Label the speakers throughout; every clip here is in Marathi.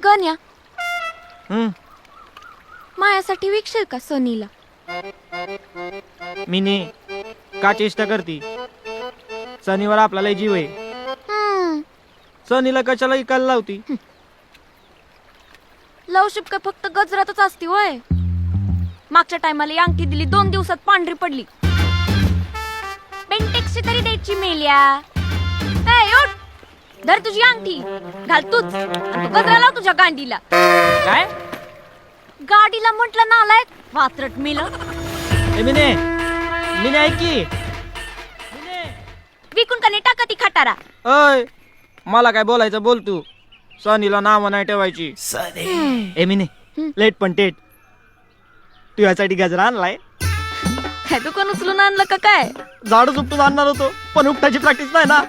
Speaker 1: गण्या मायासाठी विकशील का सनीला?
Speaker 2: मिनी का चेष्टा करती? सनीवर आपला लय जीव आहे. सनीला कशाला इकायला लावती?
Speaker 1: लवशिप काय फक्त गजरातच असती होय? मागच्या टायमाला ही अंगठी दिली, 2 दिवसात पांढरी पडली. बेंटेक्सची तरी द्यायची मेल्या. उठ, धर तुझी अंगठी, घाल तूच. आणि तू गजरा लाव तुझ्या गांडीला.
Speaker 2: काय
Speaker 1: गाडीला म्हटलं नालायक, वात्रट मेल.
Speaker 2: मिने मिने ऐक की.
Speaker 1: विकून का नाही टाका ती खटारा.
Speaker 2: अय मला काय बोलायचं बोल तू. सनीला नाव नाही ठेवायची. ए मिने लेट पण टेट. तू यासाठी गजरा आणलाय?
Speaker 1: काय दुकान उचलून आणलं का काय?
Speaker 2: झाडू उपटून आणणार होतो पण उपटायची प्रॅक्टिस नाही ना.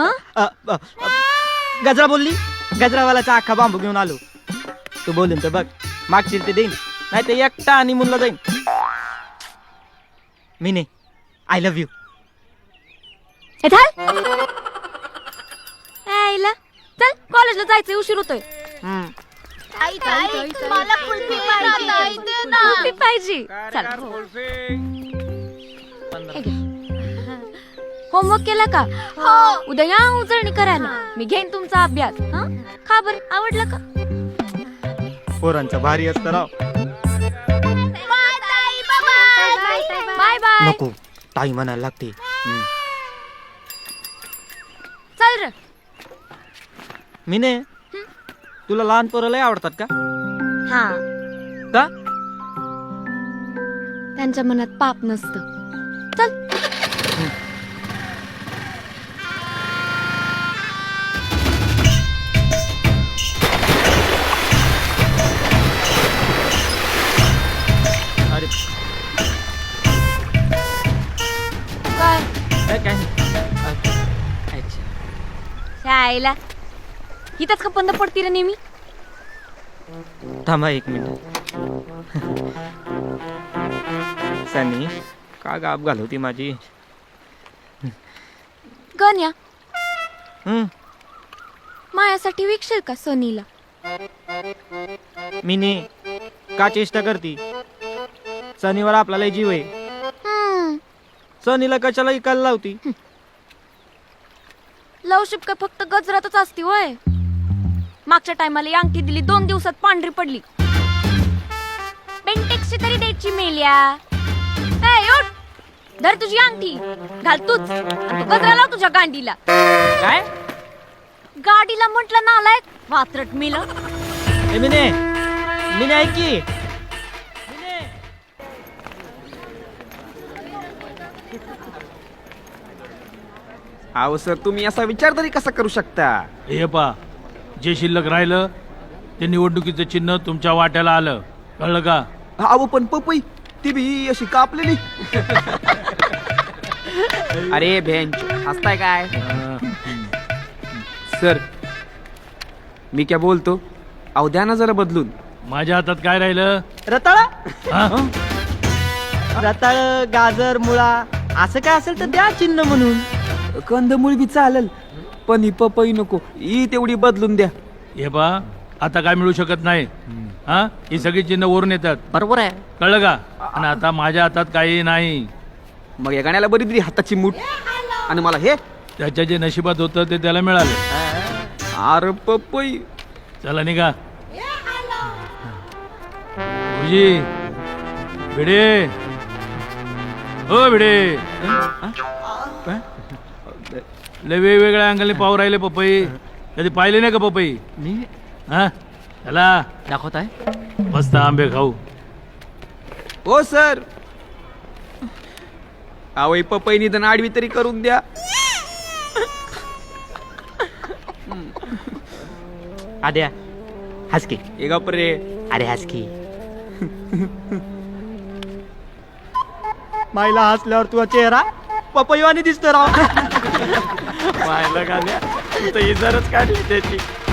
Speaker 2: गजरा बोलली, गजरावाल्याचा अख्खा बांबू घेऊन आलो. तू बोलून तर बघ, मागशील ते देईन, नाही ते एकटा आणि मुलगा जाईन. मिने आय लव्ह यू.
Speaker 1: चल कॉलेजला जायचंय, उशीर होतोय.
Speaker 3: मला कुल्फी
Speaker 1: पाहिजे. चल होमवर्क केला का?
Speaker 3: हो.
Speaker 1: उद्या या उजळणी करायला. मी घेईन तुमचा अभ्यास. खा बर, आवडला का?
Speaker 2: पोरांचं भारी असतं राव.
Speaker 1: Bye bye.
Speaker 2: नको ताई म्हणायला लागते.
Speaker 1: चल रे.
Speaker 2: मिने तुला लहान पोरं लय आवडतात का?
Speaker 1: हा,
Speaker 2: का?
Speaker 1: त्यांच्या मनात पाप नसतं. चल.
Speaker 2: अरे
Speaker 1: काय
Speaker 2: काय अच्छा.
Speaker 1: शाळेला इथंच का बंद पडती रे नेहमी?
Speaker 2: थांबा 1 मिनिट. सनी का गाप घालवती माझी?
Speaker 1: गण्या मायासाठी विकशील का सनीला?
Speaker 2: मिनी का चेष्टा करती? सनीवर आपला लय जीव आहे. सनीला कशाला इकायला लावती?
Speaker 1: लवशिप काय फक्त गजरातच असती होय? मागच्या टायमाला ही अंगठी दिली, 2 दिवसात पांढरी पडली. बेंटेक्सची तरी द्यायची मेल्या. उठ, धर तुझी अंगठी, घाल तूच. आणि तू गजरा लाव तुझ्या गांडीला.
Speaker 2: काय
Speaker 1: गाडीला म्हटलं नालायक, वात्रट मेल.
Speaker 2: मिने मिने ऐक की.
Speaker 4: अहो सर, तुम्ही असा विचार तरी कसा करू शकता?
Speaker 5: हे पा, जे शिल्लक राहिलं ते निवडणुकीचं चिन्ह तुमच्या वाट्याला आलं, कळलं का?
Speaker 4: अहो पण पपई ती बी अशी कापलेली. अरे बेंच हसताय काय? सर मी क्या बोलतो, अहो द्या ना जरा बदलून.
Speaker 5: माझ्या हातात काय राहिलं?
Speaker 2: रताळा
Speaker 5: हा?
Speaker 2: रताळ, गाजर, मुळा असं काय असेल तर द्या चिन्ह म्हणून.
Speaker 4: कंदमुळ बी चालेल, पण ही पपई नको, ही तेवढी बदलून द्या.
Speaker 5: हे पा, आता काय मिळू शकत नाही. हा, ही सगळी चिन्ह वरून येतात,
Speaker 2: बरोबर आहे.
Speaker 5: कळलं का? आणि आता माझ्या हातात काही नाही.
Speaker 4: मग या गाण्याला बरी दिली हाताची मूठ, आणि मला हे.
Speaker 5: त्याच्या जे नशिबात होतं ते त्याला मिळालं.
Speaker 4: अरे पपई.
Speaker 5: चला निघा. गुरुजी, भिडे, हो भिडे. लय वेगवेगळ्या अंगाने पाव राहिले पपई. कधी पाहिले नाही का पपई?
Speaker 2: मी
Speaker 5: हा, चला
Speaker 2: दाखवत आहे.
Speaker 5: मस्त आंबे खाऊ.
Speaker 4: हो सर, अहो ही पपई निधन आडवी तरी करून द्या.
Speaker 2: आद्या हसकी.
Speaker 4: हे गप रे.
Speaker 2: अरे हसकी. माईला हसल्यावर तुझा चेहरा पपईवानी दिसतो राव.
Speaker 4: पाहिलं का? तू तर इजारच काढली त्याची.